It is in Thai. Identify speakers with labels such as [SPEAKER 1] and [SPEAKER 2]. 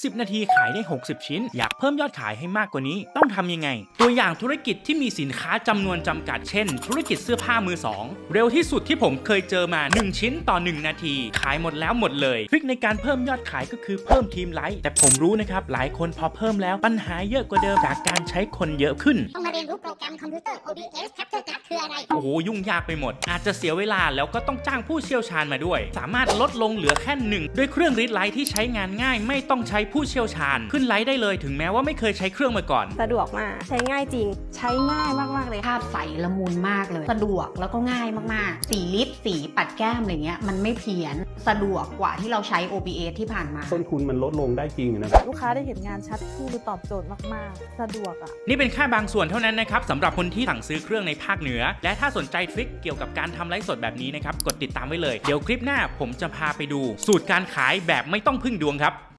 [SPEAKER 1] 10 นาทีขายได้60 ชิ้นอยากเพิ่มยอดขายให้มากกว่านี้ต้องทำยังไงตัวอย่างธุรกิจที่มีสินค้าจำนวนจำกัดเช่นธุรกิจเสื้อผ้ามือสองเร็วที่สุดที่ผมเคยเจอมา1ชิ้นต่อ1นาทีขายหมดแล้วหมดเลยทริคในการเพิ่มยอดขายก็คือเพิ่มทีมไลค์แต่ผมรู้นะครับหลายคนพอเพิ่มแล้วปัญหาเยอะกว่าเดิมจากการใช้คนเยอะขึ้น
[SPEAKER 2] ต้องมาเรียนรู้โปรแกรมคอมพิวเตอร์ OBS Capture Card คืออะไร
[SPEAKER 1] โอ้โหยุ่งยากไปหมดอาจจะเสียเวลาแล้วก็ต้องจ้างผู้เชี่ยวชาญมาด้วยสามารถลดลงเหลือแค่1ด้วยเครื่องรีดไลท์ที่ใช้งานง่ายไม่ต้องใช้ผู้เชี่ยวชาญขึ้นไลท์ได้เลยถึงแม้ว่าไม่เคยใช้เครื่องมาก่อน
[SPEAKER 3] สะดวกมากใช้ง่ายจริงใช้ง่ายมากๆเลย
[SPEAKER 4] ภาพใสละมุนมากเลยสะดวกแล้วก็ง่ายมากๆสีลิปสีปัดแก้มอะไรเงี้ยมันไม่เพี้ยนสะดวกกว่าที่เราใช้ OBS ที่ผ่านมา
[SPEAKER 5] ต้นทุนมันลดลงได้จริงนะครับ
[SPEAKER 3] ลูกค้าได้เห็นงานชัดขึ้นตอบโจทย์มากๆสะดวก
[SPEAKER 1] นี่เป็นแค่บางส่วนเท่านั้นนะครับสำหรับคนที่สั่งซื้อเครื่องในภาคเหนือและถ้าสนใจทริคเกี่ยวกับการทำไลฟ์สดแบบนี้นะครับกดติดตามไว้เลยเดี๋ยวคลิปหน้าผมจะพาไปดูสูตรการขายแบบไม่ต้องพึ่งดวงครับ